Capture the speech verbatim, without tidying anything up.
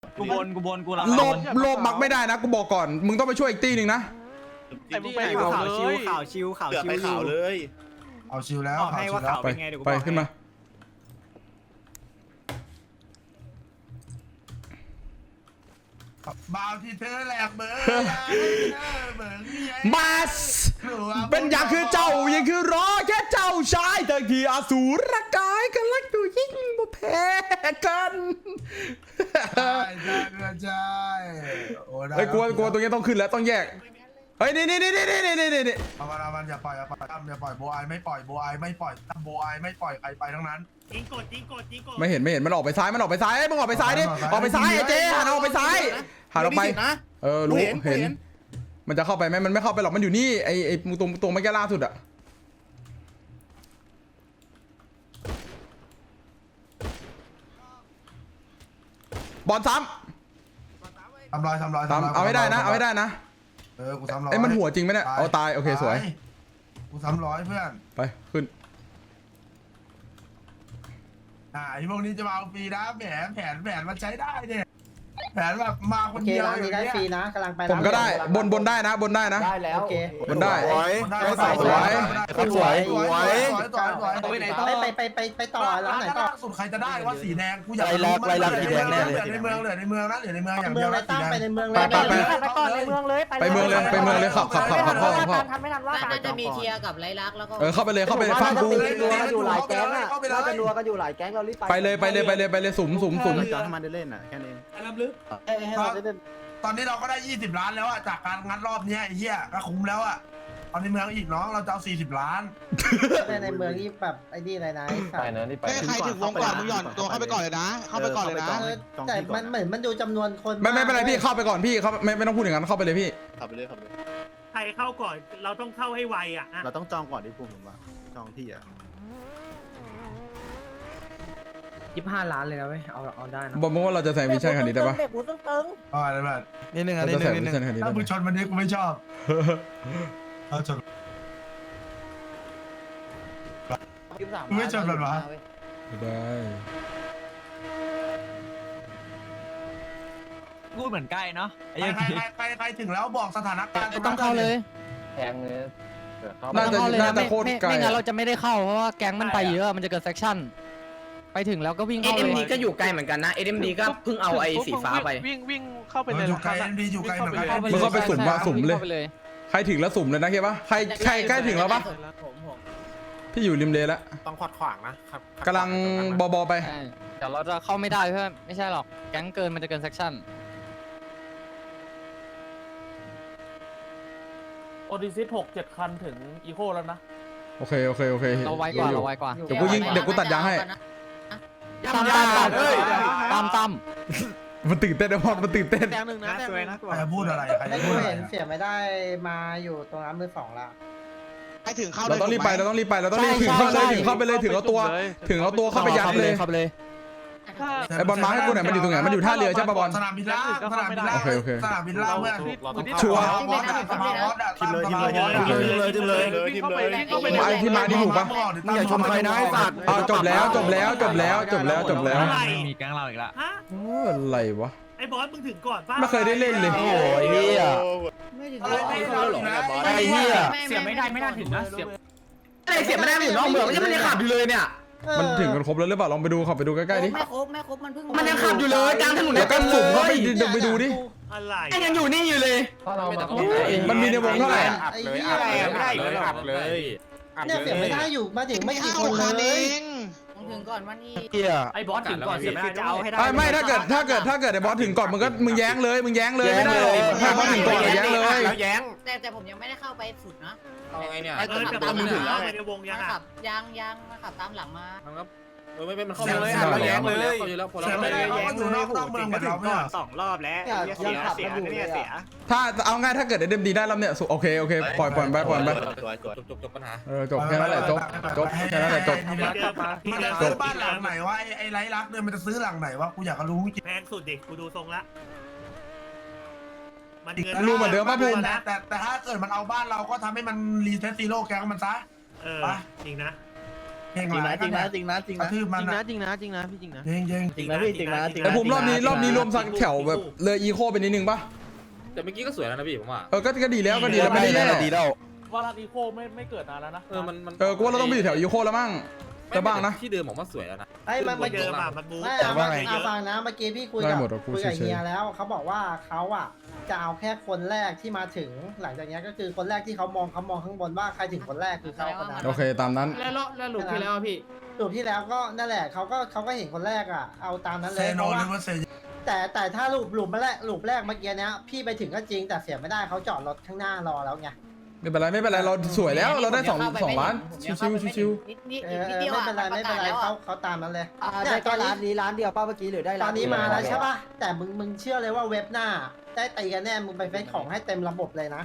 กูบนกูบนกูรับโลบโลบมักไม่ได้นะกูบอกก่อนมึงต้องไปช่วยอีกตีหนึ่งนะไอ้มึงไปข่าวชิวข่าวชิวข่าวชิวไปข่าวเลยเอาชิวแล้วบอกให้ว่าข่าวไปเป็นไงเดี๋ยวกูไปบอกขึ้นมาบาวที่เธอแหลกเบอร์เบอร์มาสเป็นอย่างคือเจ้ายังคือรอแค่เจ้าชายแต่ที่อสูรกายกันรักดูยิ่งบ่แพ้กันใช่ใช่ใช่โอ้ได้เฮ้ยกลัวกลัวตรงนี้ต้องขึ้นแล้วต้องแยกเฮ้ยนี่นี่นี่นี่นี่นี่นี่เอามันเอามันอย่าปล่อยอย่าปล่อยตั้มอย่าปล่อยโบไอไม่ปล่อยโบไอไม่ปล่อยตั้มโบไอไม่ปล่อยใครไปทั้งนั้นยิงกดยิงกดยิงกดไม่เห็นไม่เห็นมันออกไปซ้ายมันออกไปซ้ายมึงออกไปซ้ายดิออกไปซ้ายไอ้เจ๊หันออกไปซ้ายหันออกไปเออรู้เห็นมันจะเข้าไปไหมมันไม่เข้าไปหรอกมันอยู่นี่ไอ้ไอ้ตรงตรงเมื่อกี้ล่าสุดอะบอลซ้ำทำลายทำลายซ้ำเอาให้ได้นะเอาให้ได้นะเออกูซ้ำร้อยไอ้มันหัวจริงไหมเนี่ยเอาตายโอเคสวยกูซ้ำร้อยเพื่อนไปขึ้นอ่าไอ้พวกนี้จะมาเอาฟรีนะแผนแผนแผนมันใช้ได้เนี่ยแผนแบบมาคโอน เคเดียวร้านอนี้ย่างได้เงี้ยฟรีนะกำลังไปผมก็ได้บนบนได้นะบนได้นะได้แล้วโอเคบนได้สวยสวยสวยสวยสวยสวยสวยสวยไปไหนต่อไปไปไปไปต่อร้านไหนต่อสุดใครจะได้ว่าสีแดงกูอยากไล่ลักไล่ลักสีแดงแน่เลยเหลือในเมืองเหลือในเมืองนะเหลือในเมืองอย่างเมืเดีอย งวเลนะยสีตั้งแดงไปในเมืองเลยไปไปไปไปก่อนในเมืองเลยไปเมืองเลยไปเมืองเลยขับขับขับขับเข้าเข้าทันไม่ทันว่าน่าจะมีเทียกับไรลักษณ์แล้วก็เออเข้าไปเลยเข้าไปฟังกูนัวกันอยู่หลายแก๊งอ่ะน่าจะนัวกันอยู่หลายแก๊งเรารีบไปไปเลยไปเลยไปเลยไปเลยสุ่มสุ่มสุ่มจอดให้มันได้เล่นอ่ะแค่นี้ให้เราได้เล่นตอนนี้เราก็ได้ยี่สิบล้านแล้วอะจากการงัดรอบเนี้ยไอ้เหี้ยก็คุ้มแล้วอะตอนในเมืองอีกน้องเราจะเอาสี่สิบล้านในเมืองนี่แบบไอ้นี่อะไรนะไปนะนี่ไปใครถึงวงก่อนมึงหย่อนตัวเข้าไปก่อนเลยนะเข้าไปก่อนเลยนะแต่มันเหมือนมันดูจำนวนคนไม่ไม่เป็นไรพี่เข้าไปก่อนพี่เขาไม่ไม่ต้องพูดอย่างนั้นเข้าไปเลยพี่ขับไปเลยขับไปเลยใครเข้าก่อนเราต้องเข้าให้ไวอ่ะเราต้องจองก่อนที่ภูมิผมว่าจองที่อ่ะยี่สิบห้าล้านเลยนะเว้ยเอาเอาได้นะบอกมึงว่าเราจะใส่วิชั่นคันนี้ได้ปะอ๋ออะไรแบบนิดนึงอ่ะเรานิดจะนึใส่งนิดนึงวิชั่นคันนี้ถ้าได้มึงปะชนมันนี้กูไม่ชอบถ้าชนมึงไม่ชนมันวะได้พูดเหมือนใกล้เนาะไอ้ใครยังใครใครใครใครถึงแล้วบอกสถานการณ์ต้องเข้าเลยแพงเลยเดี๋ยวเข้าน่าจะต้องเข้าเลยน่านะจะไม่โคตรไม่ไกลไม่งั้นเราจะไม่ได้เข้าเพราะว่าแก๊งมันไปเยอะมันจะเกิดเซกชั่นไปถึงแล้วก็วิ่งเข้าเลยเอ็มดีก็อยู่ไกลเหมือนกันนะ เอ็มดีก็เพิ่งเอาไอ้สีฟ้าไปวิ่งวิ่งเข้าไปเอในออยู่ไกลเอ็นดีอยู่ไกลเหมือนกันมึงเข้าไปสุ่มว่าสุ่มเลยข้าไปเลยใครถึงแล้วสุ่มเลยนะเข้าปะใครใครใกล้ถึงแล้วปะผมผมพี่อยู่ริมเลแล้วต้องขวดขวางนะครับกำลังบอบอไปใช่เดี๋ยวเราจะเข้าไม่ได้เพื่อนไม่ใช่หรอกแก๊งเกินมันจะเกินเซกชั่นโอดิซิสหกเจ็ดคันถึงอีโคแล้วนะโอเคโอเคโอเคเราไวกว่าเราไวกว่าเดี๋ยวกูยิงเดี๋ยวกูตัดยางให้ตามตามตามตามตามมันตื่นเต้นนะพอดมันตื่นเต้นแดงหนึ่งนะสวยนะกใครจะพูดอะไรใครไม่จะพูกูดอะไรเห็นเสียไม่ได้มาอยู่ตรงร้านมือสองละใครถึงเข้าเราต้องรีบไปเราต้องรีบไปเราต้องรีบถึงเข้าเลยถึงเข้าไปเลยถึงเอาตัว ถึงเอาตัวเข้าไปยัดเลยเข้าไปเลยไอ้บอลมาให้กูหน่อยมันอยู่ตรงไหนมันอยู่ท่าเรือใช่ปะบอลสนามบินล่างสนามบินล่างโอเคโอเคสนามบินล่างเพื่อนชัวร์บอสอะสมาร์ทบอสอะทีมเลยทีมเลยทีมเลยทีมเลยทีมเลยไอ้ที่มานี่ถูกปะมึงอย่าชมใครนะไอ้สัตว์อ้าวจบแล้วจบแล้วจบแล้วจบแล้วจบแล้วมีแก๊งเราอีกละฮะโอ้อะไรวะไอ้บอสมึงถึงก่อนป่ะไม่เคยได้เล่นเลยโอ้ยเฮียไม่ถึงอะไรไม่ได้หรอกนะไอ้เหี้ยเสียไม่ได้ไม่น่าถึงนะเสียอะไรเสียไม่ได้มันอยู่นอกเมืองมันยังไม่ได้ขับอยู่เลยเนี่ยมันถึงกันครบแล้วหรือเปล่าลองไปดูขับไปดูใกล้ๆดิไม่ครบไม่ครบมันเพิ่งมันยังขับอยู่เลยกลางถนนเดี๋ยวก็สุ่มเข้าไปดูไปดูดิอะไรยังอยู่นี่อยู่เลยเพราะเราแบบมันมีในวงเท่าไหร่ไอ้เหี้ยเลยอัดเลยเนี่ยเสียไม่ได้อยู่มาถึงไม่กี่คนเลยถึงก่อนวันนี้เฮียไอ้บอสถึงก่อนเสียไม่ได้จะเอาให้ได้ไม่ไม่ถ้าเกิดถ้าเกิดถ้าเกิดไอ้บอสถึงก่อนมึงก็มึงแย้งเลยมึงแย้งเลยไม่ได้หรอกถ้าบอสถึงก่อนแย้งเลยแล้วแย้งแต่แต่ผมยังไม่ได้เข้าไปสุดนะเอาไงเนี่ยเออแต่บอสมึงถึงแล้วไปในวงยังมาอ่ะขับยังยังมาขับตามหลังมาเออไม่เป็นมันเข้าเลยแล้วแย้งเลยเสียไม่ได้เพราะมันอยู่นอกนอกเมืองเหมือนเราเนี่ยสองรอบแล้วเสียเสียเนี่ยเสียถ้าเอาง่ายถ้าเกิดไอ้เดมดีได้แล้วเนี่ยโอเคโอเคปล่อยปล่อยไปปล่อยไปจบจบจบปัญหาเออจบแค่นั้นแหละจบจบแค่นั้นแหละจบมันจะซื้อบ้านหลังไหนวะไอ้ไอ้ไรลักเนี่ยมันจะซื้อหลังไหนวะกูอยากรู้จริงแพงสุดดิกูดูทรงละมันรู้เหมือนเดิมป่ะภูมิแต่แต่แต่ถ้าเกิดมันเอาบ้านเราก็ทำให้มันรีเซ็ตซีโร่แก๊งมันซะเออจริงนะเก่งจริงหลานะยจริงนะจริงนะจริงกระนะทืบมันจริงนะจริงนะจริงนะพี่จริงนะเก่งเก่งจริงนะพี่จริงนะจริงไอ้ภูมิรอบนี้รอบนี้รวมสักแถวแบบเลยอีโคไปนิดนึงปะแต่เมื่อกี้ก็สวยแล้วนะพี่ผมว่าเออก็ก็ดีแล้วก็ดีแล้วไม่ได้แย่ดีแล้วว่ารันอีโคไม่ไม่เกิดนานแล้วนะเออมันมันเออกูว่าเราต้องไปอยู่แถวอีโคแล้วมั้งจะบ้างนะที่เดิมผมว่าสวยแล้วนะไอ้มันมัเมื่นอเดิกี้มอ่ะมันบูไม่แต่เอาว่ามาไงเยเอาอะฟังนะเมื่อกี้พี่คุยได้กับหมดอะกูคุยกับเฉยๆเฮียแล้วเขาบอกว่าเขาอ่ะจะเอาแค่คนแรกที่มาถึงหลังจากนี้ก็คือคนแรกที่เขามองเขามองข้างบนว่าใครถึงคนแรกคือเขาคนนั้นโอเคตามนั้นแล้วแล้วหลุดที่แล้วพี่สูบที่แล้วก็นั่นแหละเขาก็เขาก็เห็นคนแรกอ่ะเอาตามนั้นเลเซยโนเพราะหว่ารือว่าเซแต่แต่ถ้าลูปลูปมาแรกลูปแรกเมื่อกี้เนี้ยพี่ไปถึงก็จริงแต่เสียไม่ได้เขาจอดรถข้างหน้ารอแล้วไงไม่เป็นไรไม่เป็นไรเราสวยแล้วเราได้สองสองล้านชิวๆชิวเออเออไม่เป็นไรไม่เป็นไรเขาเขาตามนั้นเลยอ่าได้แค่ร้านนี้ร้านเดียวป้าเมื่อกี้หรือได้ตร้าอน นนี้เดียวมาแล้วใช่ป่ะแต่มึงมึงเชื่อเลยว่าเว็บหน้าได้ตีกันแน่มึงไปเฟซของให้เต็มระบบเลยนะ